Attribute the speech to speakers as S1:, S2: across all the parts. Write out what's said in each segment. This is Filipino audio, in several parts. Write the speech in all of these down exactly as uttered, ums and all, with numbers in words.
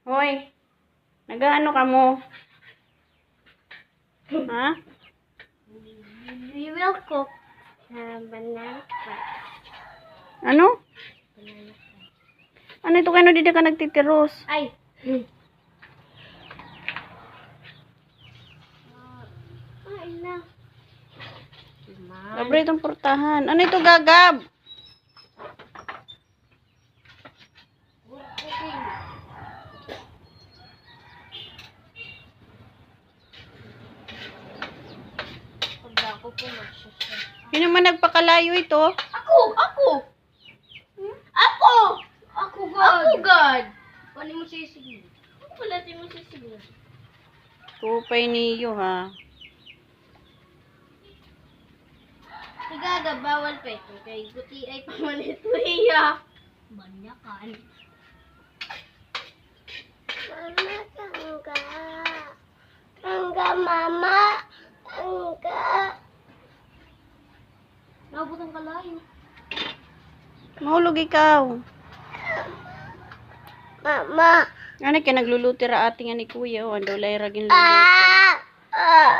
S1: Hoy, nag-ano ka mo? Ha?
S2: We will cook uh, banana pie.
S1: Ano?
S2: Banana pie.
S1: Ano ito kayo dito ka nagtitiros?
S2: Ay! Hmm. Ay na.
S1: Labre itong portahan. Ano ito gagab?
S2: Pag ako po magsasya.
S1: Sino man nagpakalayo ito?
S2: Ako! Ako! Hmm? Ako! Ako, God! Ako, God! Paano mo sisigil? Ano pala di mo sisigil?
S1: Kupay niyo ha.
S2: Igaga, bawal pa ito. Kay guti ay pamalit mo iya. Banyakan. Mama, tangga. Tangga, mama. Tangga. Nabot ang kalayo.
S1: Mahulog ikaw.
S2: Mama.
S1: Ano kaya nagluluti ra ating ani kuya o ando lay ragin luluto.
S2: Ah! Ah!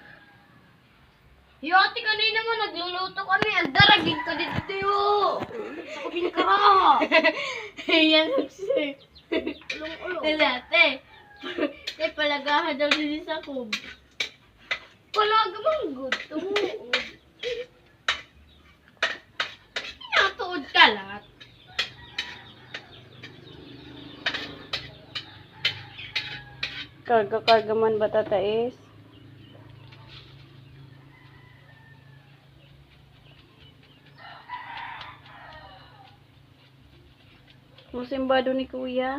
S2: Yo, ate kanina mo nagluluto kami. Ang daragig ka dito tayo. Sa kubing kara. Yan si. Ulong-ulong. Ate. Tay palagahan daw din sa kub. Palaga mang gusto mo. Pinatuod ka lahat.
S1: Karga-karga man ba tatais? Musimbado ni kuya.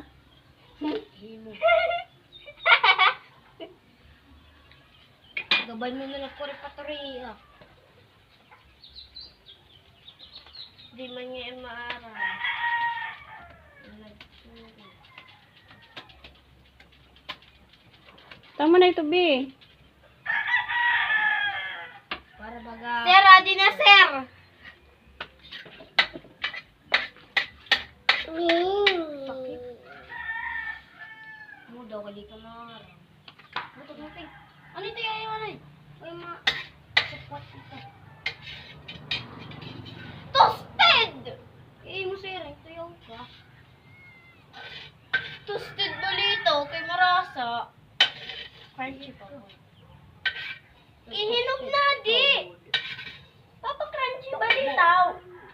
S2: Gabay mo na ng puri-paturi ah. Di man niya yung maaral.
S1: Tama na ito, B.
S2: Para baga... Sir, adi na, sir! Sakit. Mo daw, kali ka maaral. Ano ito, natin? Ano ito yung ano eh? Ay, mga... Support ito. Toasted! Eh, mo sir, ito yung ka. Toasted balito, kay marasa. Crunchy pa po. Ihinog na, di! Papa, crunchy balitaw.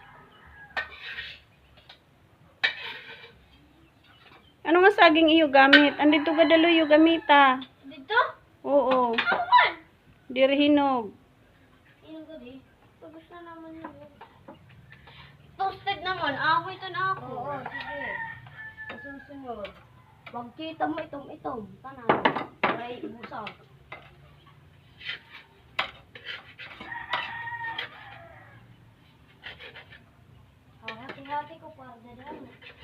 S1: Ano nga saging iyo gamit? Andito ka dalo iyo gamita.
S2: Dito?
S1: Oo.
S2: Ako man!
S1: Dirhinog.
S2: Ihinog ka, di? Pagos na naman yun. Toasted naman. Ako ito na ako. Oo, sige. Susunod. Wag kita mo itom-itom. Tanan. Ay, busag. Ah, hati-hati ko para dadahan.